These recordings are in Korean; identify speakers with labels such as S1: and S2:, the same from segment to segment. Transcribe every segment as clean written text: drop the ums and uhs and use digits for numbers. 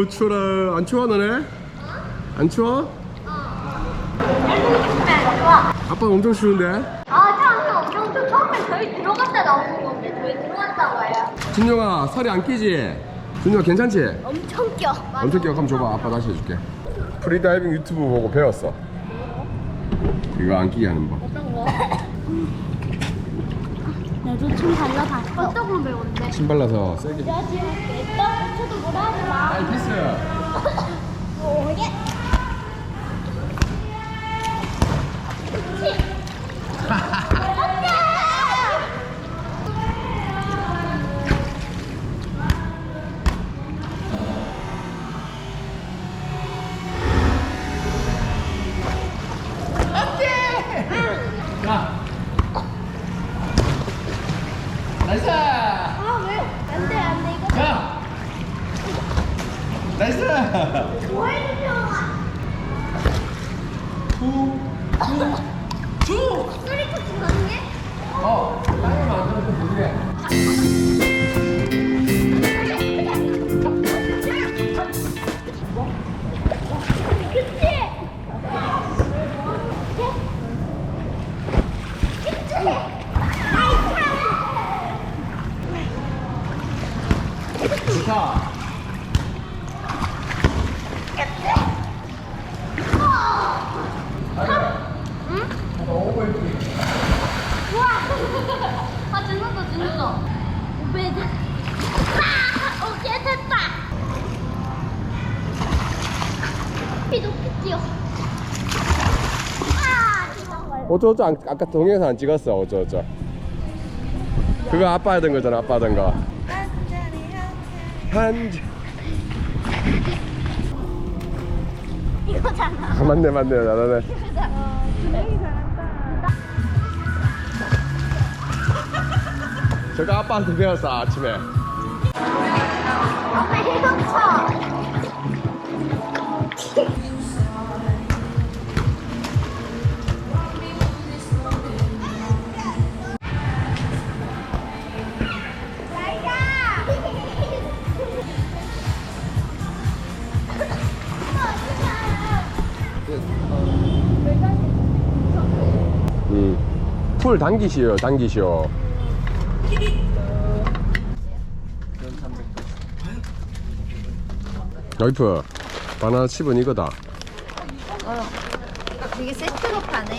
S1: 아유 추워라. 안 추워 너네? 안 추워? 아빠 엄청 추운데?
S2: 처음에 엄청 처음에 저희 들어갔다 나오는 건데 저희 들어갔다 와요.
S1: 준영아 살이 안 끼지? 준영아 괜찮지?
S2: 엄청 껴.
S1: 엄청 끼워. 한번 줘봐. 아빠 다시 해줄게. 프리다이빙 유튜브 보고 배웠어. 이거 안 끼게 하는 법.
S2: 어떤 거? 나도 춤 달라봤어. 어떤 걸 배웠는데?
S1: 침 발라서 세게.
S2: 야 지금 냈다? 저도 뭐라 하지 마.
S1: 아이 패스.
S2: 뭐게?
S1: 나이스.
S2: 아 왜? 안돼 안돼 이거.
S1: 야. 나이스.
S2: 뭐 해주세요. 소리 터치 가능해?
S1: 땅에만 안 들어도 모르게. 좋다.
S2: 아 죽는다 죽는다. 오베드. 오케이 됐다. 높이 뛰어.
S1: 어쩌어쩌 아까 동영상 안 찍었어. 어쩌어쩌. 그거 아빠 하던 거잖아. 아빠 하던 거. 한 잔.
S2: 이거잖아.
S1: 아, 맞네 나네. 저거 아빠한테 배웠어 아침에.
S2: 엄마 해동쳐.
S1: 풀 당기시오. 와이프 바나나 칩은 이거다.
S2: 이게 세트로 파네.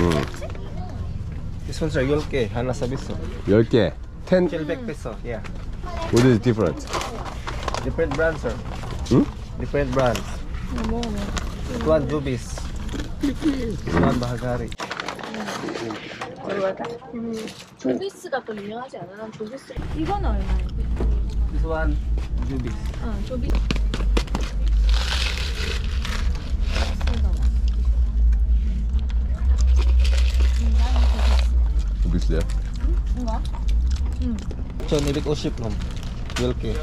S3: This one's a 10K, 하나 서비스.
S1: 10개 10.
S3: 700 peso, yeah.
S1: What is different?
S3: Different brands, sir.
S1: 응?
S3: Different brands. This one Jubis. This one Bahagari.
S4: 조비스가 또 유명하지 않아? 난 조비스. 이건 얼마야?
S3: This one Jubis.
S4: 조비스.
S1: 비슷해요?
S4: 뭔가?
S3: 1250 놈. 10K.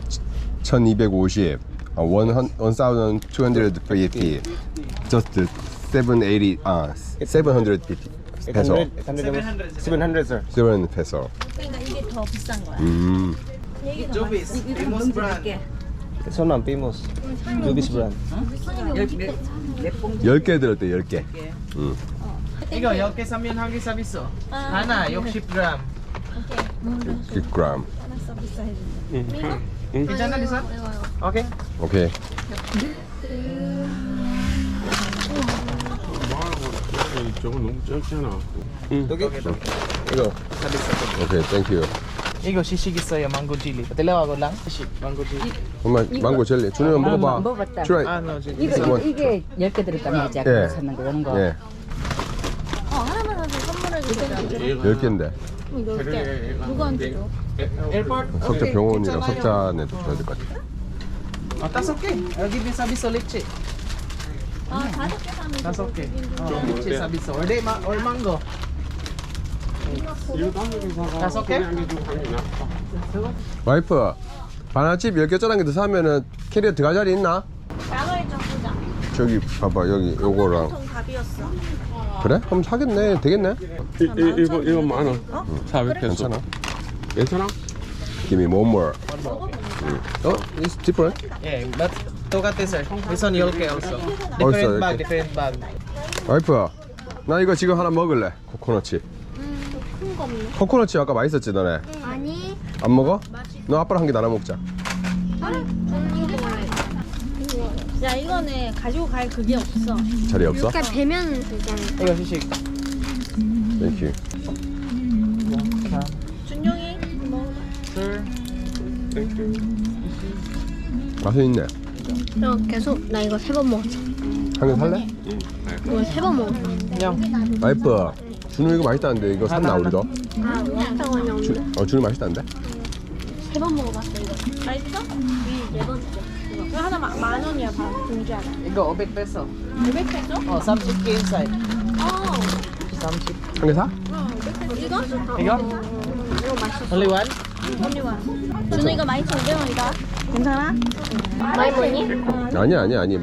S1: 1250. 1250. Just 780. 750 peso.
S3: 700, sir.
S1: 7 peso.
S4: 그러니까 이게 더 비싼 거야.
S3: Jubis, famous brand. This one, famous. Jubis brand.
S1: 10개 들었대 10개.
S5: 이거 10개 사면 한 개 서비스. 하나 60g.
S1: 10g.
S4: 하나 서비스 해준대.
S5: 괜찮아, 리사? 오케이.
S1: 오케이.
S6: 저거 너무 짧잖아.
S3: Okay.
S1: 이거. 오케이, 땡큐.
S5: 이거 시식 있어요, 망고 칠리. 달라고 lang. 시식 망고 칠리.
S1: 엄마 망고 젤리. 준영아 먹어봐.
S7: 먹어봤다.
S1: 트라이.
S5: 아, no, 지금.
S7: 이게 10개 들었다면 이제
S1: 예.
S7: 아까 샀는 거 이런 거.
S1: 예.
S4: 하나만 하서 선물해 주세요.
S1: 10개인데.
S4: 10개. 누구한테 줘?
S5: Airport.
S1: 석자
S5: Okay,
S1: 병원이랑
S5: 괜찮아요.
S1: 석자네도 줘야 될 것 같아.
S5: That's okay. I'll give you 서비스 leche.
S4: 5개 사면
S5: That's okay. leche 서비스. Or mango. That's okay?
S1: 와이프, 바나나칩 10개 짜는 게 더 사면은 캐리어 들어갈 자리 있나?
S4: 양을 좀 보자.
S1: 저기 봐봐, 여기 요거랑.
S4: 통 답이었어.
S1: 그래? 그럼 사겠네. 되겠네.
S6: 이거 만 원. 400 페소.
S1: 괜찮아.
S6: 괜찮아?
S1: Give me one more. Oh, it's different.
S5: Yeah, but 똑같아 sir. This one yolk also.
S1: Also,
S5: Different bag,
S1: okay.
S5: different bag.
S1: 와이프야, 나 이거 지금 하나 먹을래. 코코넛치.
S2: 큰 거 없네.
S1: 코코넛치 아까 맛있었지 너네?
S2: 아니.
S1: 안 먹어? 너 아빠랑 한 개 나눠 먹자.
S2: 저는 이거 먹어요.
S4: 야 이거는 가지고 갈 그게 없어.
S1: 자리 없어?
S2: 그러니까 배면 되잖아.
S5: 이거 시식.
S1: 땡큐.
S4: 준용이 먹어봐.
S5: Sir.
S1: 맛은 있네.
S2: 너 계속 나 이거 3번 먹었어.
S1: 한 개 살래?
S2: 이거 3번 먹었어.
S5: 냥.
S1: 와이프, 준우 이거 맛있다는데 이거 샀나 우리도?
S2: 아, 맛있다고 하냐 오늘?
S1: 준우 맛있다는데?
S2: 3번 먹어봤어 이거.
S4: 맛있어?
S2: 네 번째.
S4: 이거 하나 만 원이야 반 봉지 하나.
S5: 이거 500 peso.
S4: 500페소?
S5: Oh, some chicken inside.
S4: 어.
S5: Some chicken.
S1: 한 개 사?
S4: 이거?
S5: 이거?
S2: 이거 맛있어.
S5: Only one?
S4: 언니와. 준우 이거 12,500원이다. 괜찮아?
S2: 많이 먹니?
S1: 아니.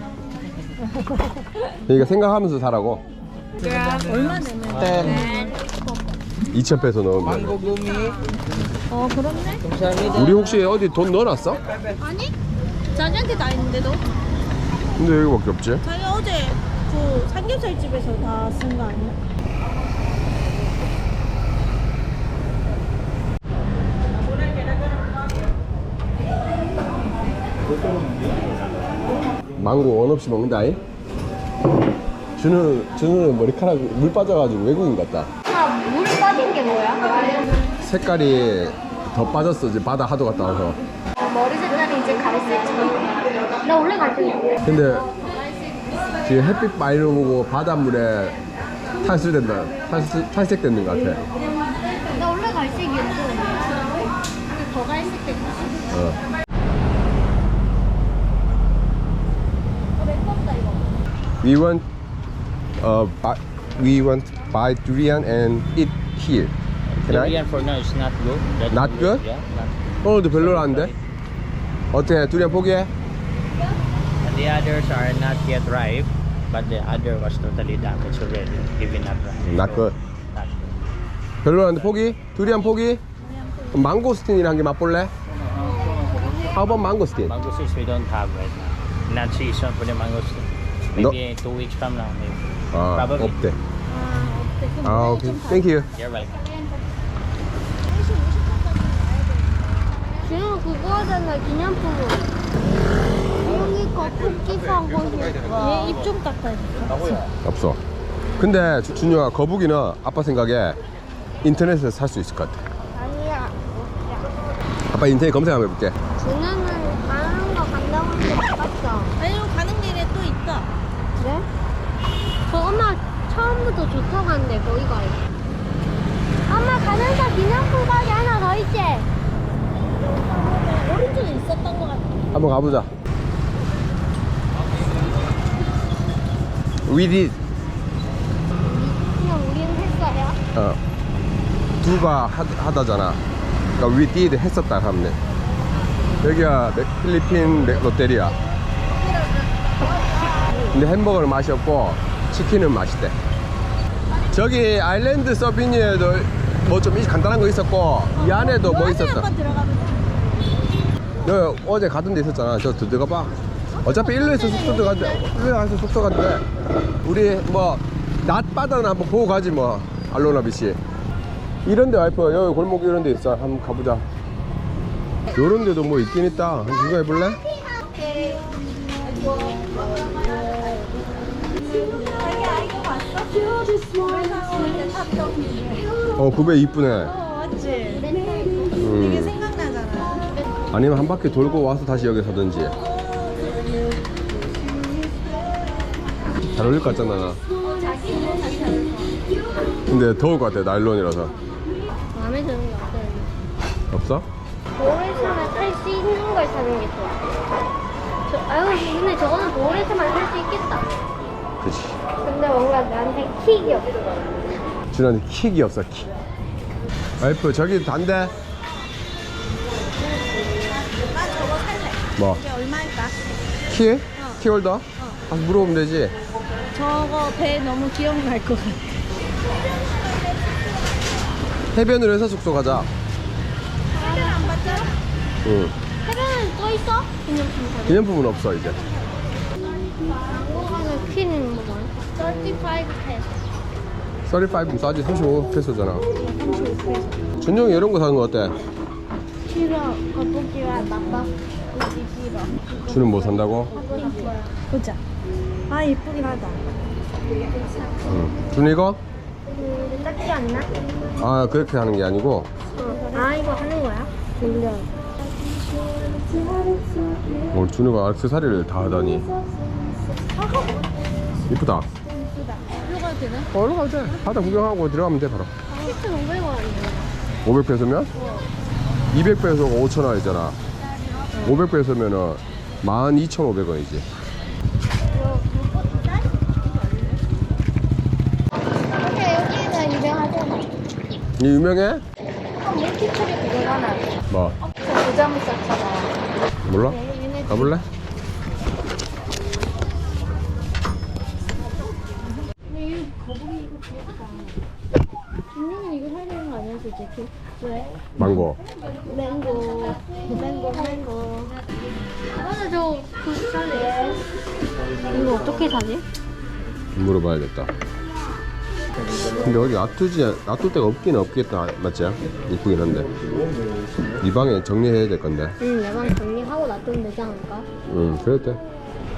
S1: 그러니까 생각하면서 사라고.
S4: 얼마 내면?
S1: 2,000페소 넣으면.
S5: Mango gumi.
S4: 어 그렇네.
S5: 감사합니다.
S1: 우리 혹시 어디 돈 넣어놨어?
S4: 아니? 자기한테 다 있는데도?
S1: 근데 여기밖에 없지?
S4: 자기 어제 그 삼겹살 집에서 다 쓴 거 아니야?
S1: 망고 원 없이 먹는다이? 준우는 머리카락 물 빠져가지고 외국인 같다.
S2: 물 빠진 게 뭐야?
S1: 색깔이 더 빠졌어. 이제 바다 하도 갔다 와서.
S2: 머리 색깔이 이제 갈색처럼. 나 원래 갈색이야.
S1: 근데 지금 햇빛 많이 오고 바닷물에 탈색되는 것 같아.
S2: 나 원래 갈색이었어. 근데 더 갈색 됐어.
S1: 어.
S2: 맵다 이거.
S1: We want buy durian and eat here. Can I?
S8: Durian for now is not good. That
S1: Not
S8: will-
S1: good?
S8: Yeah, not.
S1: 오늘도 별로라는데? 어때? 두리안 포기해?
S8: And the others are not yet ripe, but the other was totally damaged already, even not ripe.
S1: Not
S8: So,
S1: good.
S8: Not good.
S1: 별로라는데 포기? 두리안 포기? 그럼 망고스틴이랑 한 개 맛볼래? How about 망고스틴?
S8: Mangoes we don't have right now. Not season for the mangoes. Maybe 2 weeks from now, maybe.
S1: 아,
S8: Probably.
S1: 없대. 아, 오케이. Thank you.
S8: You're welcome.
S2: 지금 그거 하잖아, 기념품으로. 여기 거 쿠키 사고 싶어.
S4: 얘 입 좀 닦아야겠다.
S1: 없어. 근데 준유아, 거북이는 아빠 생각에 인터넷에서 살 수 있을 것 같아.
S2: 아니야.
S1: 아빠 인터넷 검색 한번 해볼게.
S2: 준우는 가는 거 간다고 했는데 못 갔어.
S4: 아니 가는 길에 또 있다.
S2: 그래? 저 엄마 처음부터 좋다고 하는데 거기 가요. 엄마 가면서 기념품 가게 하나 더 있지?
S4: 오른쪽에 있었던 것 같아.
S1: 한번 가보자. We did.
S2: 그냥 우리는 했어요.
S1: 두가 하다잖아. 그러니까 we did 했었다 하면 돼. 여기가 필리핀 롯데리아. 근데 햄버거는 맛이 없고 치킨은 맛있대. 저기 아일랜드 서비니에도 뭐 좀 간단한 거 있었고 이 안에도 뭐 있었어.
S4: 한번 들어가면 돼.
S1: 너 어제 가던 데 있었잖아. 저 들어가 봐. 어차피 일로에서 숙소 들어갔는데 일로에 가서 숙소 갔는데 우리 뭐 낮바다는 한번 보고 가지 뭐. 알로나 비치 이런 데 와이프 여기 골목 이런 데 있어. 한번 가보자. 요런 데도 뭐 있긴 있다. 한번 구경해 볼래? 구배 이쁘네.
S4: 맞지?
S1: 음.
S4: 생각나잖아.
S1: 아니면 한 바퀴 돌고 와서 다시 여기 사든지. 잘 어울릴 것 같잖아 나. 근데 더울 것 같아 나일론이라서.
S2: 마음에 드는 게 없어요.
S1: 없어?
S2: 볼에서만 살 수 있는 걸 사는 게 좋아. 아유, 근데 저거는 볼에서만 살 수 있겠다.
S1: 그치.
S2: 근데 뭔가 나한테 킥이 없어.
S1: 준한테 킥이 없어 킥. 와이프 저기 단데.
S4: 나 저거 살래.
S1: 뭐?
S4: 이게 얼마일까?
S1: 키? 키홀더? 아, 물어보면 되지.
S4: 저거 배 너무 기억날 것 같아.
S1: 해변으로 해서 숙소 가자.
S4: 해변 안 봤죠?
S1: 응.
S2: 해변은 있어? 기념품 사진.
S1: 기념품은 없어 이제.
S2: 한국에는 퀸 뭐야? 35 페소.
S1: 35는 싸지. 35 페소잖아. 준영이 이런 거 사는 거 어때?
S2: 싫어. 거북이와 나빠. 우리 싫어.
S1: 준은 뭐 산다고?
S4: 보자. 아 예쁘긴 하다.
S1: 응. 준 이거?
S2: 근데 작지 않나?
S1: 아 그렇게 하는 게 아니고.
S2: 아 이거 하는 거야? 돌려.
S1: 오늘 준우가 액세서리를 다 하다니. 이쁘다.
S4: 들어가도 되나?
S1: 얼른 가도 돼. 바다 구경하고 들어가면 돼 바로.
S2: 7,500원이야.
S1: 500페소면? 200페소가 5,000원이잖아. 500페소면은 12,500원이지.
S2: 근데 여기가 유명하잖아.
S1: 이 유명해?
S2: 밀키트리 그거 하나.
S1: 뭐?
S2: 부자무 쌌잖아.
S1: 몰라? 가볼래?
S2: 근데 이 거북이 이거 귀엽다. 준이는 이거 사야 되는 거 아니야 솔직히? 왜?
S1: 망고.
S2: 맹고. 맞아 저그 살래. 이거 어떻게 사지?
S1: 물어봐야겠다. 근데 여기 놔둘 데가 없긴 없겠다. 맞지? 이쁘긴 한데. 이 방에 정리해야 될 건데.
S2: 응, 내방 정리하고 놔두면 되지 않을까?
S1: 응, 그래도 돼.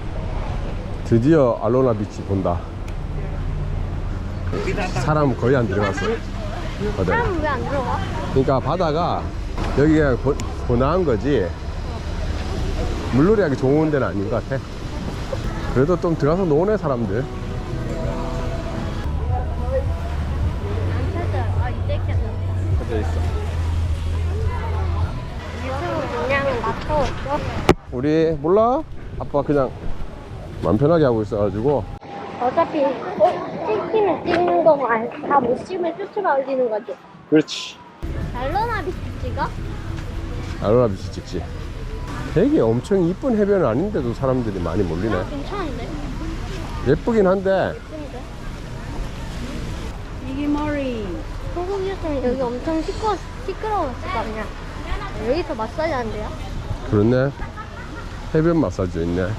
S1: 드디어 알로나 비치 본다. 사람 거의 안 들어갔어. 바다에.
S2: 사람은 왜 안 들어가?
S1: 그러니까 바다가 여기가 고나한 거지 물놀이 하기 좋은 데는 아닌 것 같아. 그래도 좀 들어가서 노네 사람들.
S2: 안 찾아. 아 이제 켰다.
S1: 찾아 있어.
S2: 유튜브 그냥 놔뒀어.
S1: 우리 몰라? 아빠 그냥 맘 편하게 하고 있어가지고.
S2: 어차피 찍히면 찍는 거고 다 못 찍으면 쭈쭈가 올리는 거지.
S1: 그렇지.
S2: 알로나 비치 찍어?
S1: 알로나 비치 찍지. 되게 엄청 이쁜 해변은 아닌데도 사람들이 많이 몰리네.
S2: 괜찮은데?
S1: 예쁘긴 한데
S2: 예쁜데?
S4: 이게 머리.
S2: 한국이었으면 여기 엄청 시끄러웠을 거 아니야. 여기서 마사지 한대요?
S1: 그렇네. 해변 마사지 있네.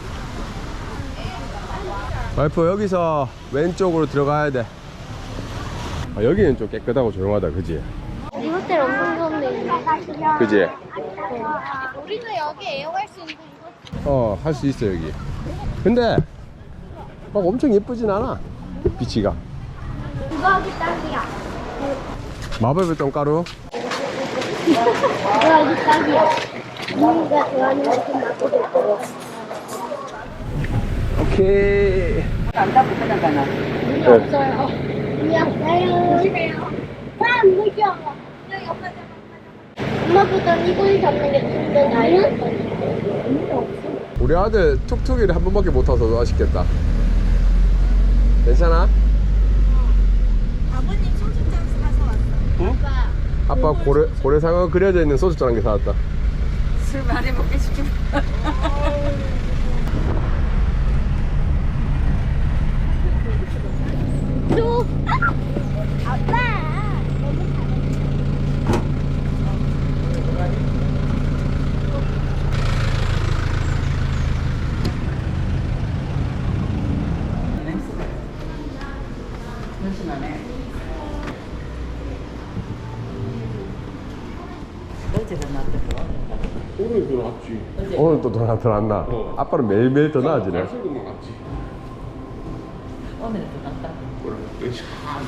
S1: 와이프 여기서 왼쪽으로 들어가야 돼. 아, 여기는 좀 깨끗하고 조용하다 그지?
S2: 이 호텔 엄청 좋은데.
S1: 그지?
S2: 우리도 여기 애용할 수 있는 거.
S1: 할 수 있어 여기. 근데 막 엄청 예쁘진 않아 비치가.
S2: 이거 하기 딱이야.
S1: 마법의 똥가루.
S2: 이거 하기 딱이야. 우리가 좋아하는 것좀 맡고 될 거고.
S1: 오케이.
S2: 물이 없어요. 물이 없어요. 조심해요. 안 물려. 엄마보다 이걸 잡는 게 좀더 나은?
S1: 우리 아들 툭툭이를 한 번밖에 못 타서 아쉽겠다. 괜찮아?
S4: 아버님 소주잔 사서 왔어.
S1: 아빠 고래상어 그려져 있는 소주잔 한 개 사왔다.
S4: 술 많이 먹게 시키면.
S2: 또 아빠.
S6: 오늘 더 낫지.
S1: 오늘 또 더 낫나? 아빠는 매일매일 더 나아지네.
S6: 오늘 더 낫지.
S7: 오늘은 또 낫다.
S6: 뭐라? 왠지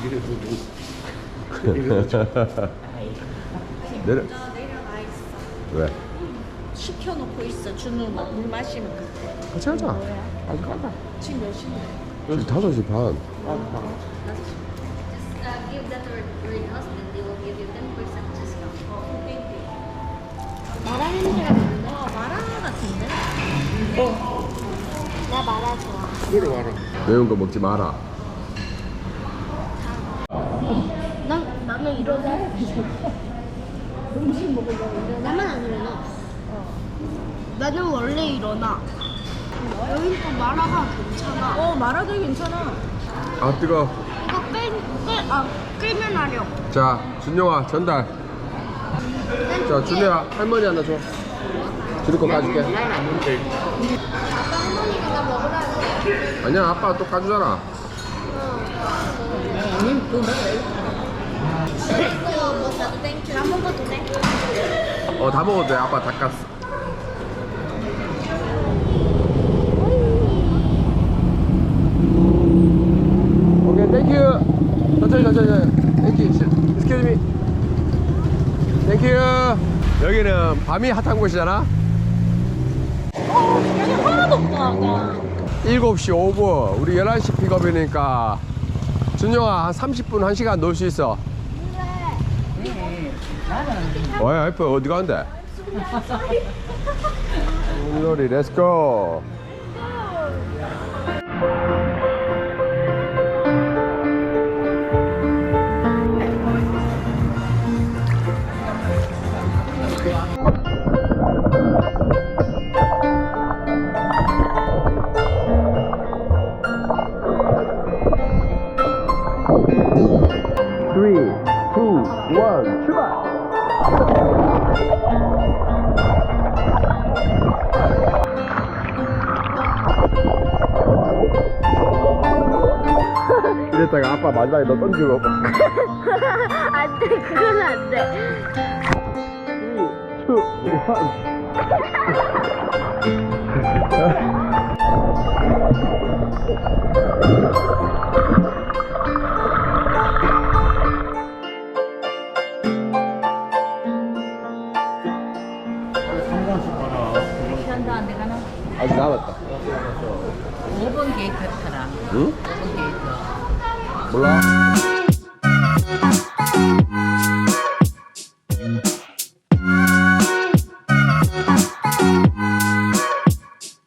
S6: 이래도
S1: 내려.
S4: 내려가 있어.
S1: 왜?
S4: 시켜놓고 있어. 준우 물 마시면 그때.
S1: 같이 하자. 아직 가자.
S4: 지금 몇 시인데?
S1: 지금 5시 반.
S2: Give that to your husband. They will give you 10% discount. 마라 냄새가 나는데?
S4: 마라 같은데?
S2: 나 마라 좋아.
S6: 내려와라.
S1: 매운 거 먹지 마라.
S2: 나는 이러다 음식 먹으려고 나만 안 일어나. 나는 원래 일어나. 여기 또 마라가 괜찮아.
S4: 마라도 괜찮아.
S1: 아 뜨거.
S2: 이거 끓면 하려.
S1: 자 준영아 전달. 자 준영아 할머니 하나 줘. 줄이 거 까줄게.
S2: 아빠 할머니가 먹으라는데.
S1: 아니야, 아빠가 또 까주잖아.
S2: 이거 뭐 사도 땡큐. 다 먹어도 돼?
S1: 다 먹어도 돼. 아빠 다 깠어. 오케이, 땡큐. 천천히. 땡큐. Excuse me. 땡큐. 여기는 밤이 핫한 곳이잖아.
S2: 여기 하나도 없다, 아까.
S1: 7시 5분. 우리 11시 픽업이니까 준영아 한 30분 1시간 놀 수 있어. 와, 예뻐. 어디 가는데? 물놀이 렛츠고. Three, two, one, 출발! 이랬다가 아빠 마지막에 너 던지고
S2: 안 돼, 그건 안 돼.
S1: 3, 2, 1
S7: 시간도 안 돼가나?
S1: 아직 남았다.
S7: 5번 게이트 타라.
S1: 응?
S7: 5번 게이트.
S1: 몰라.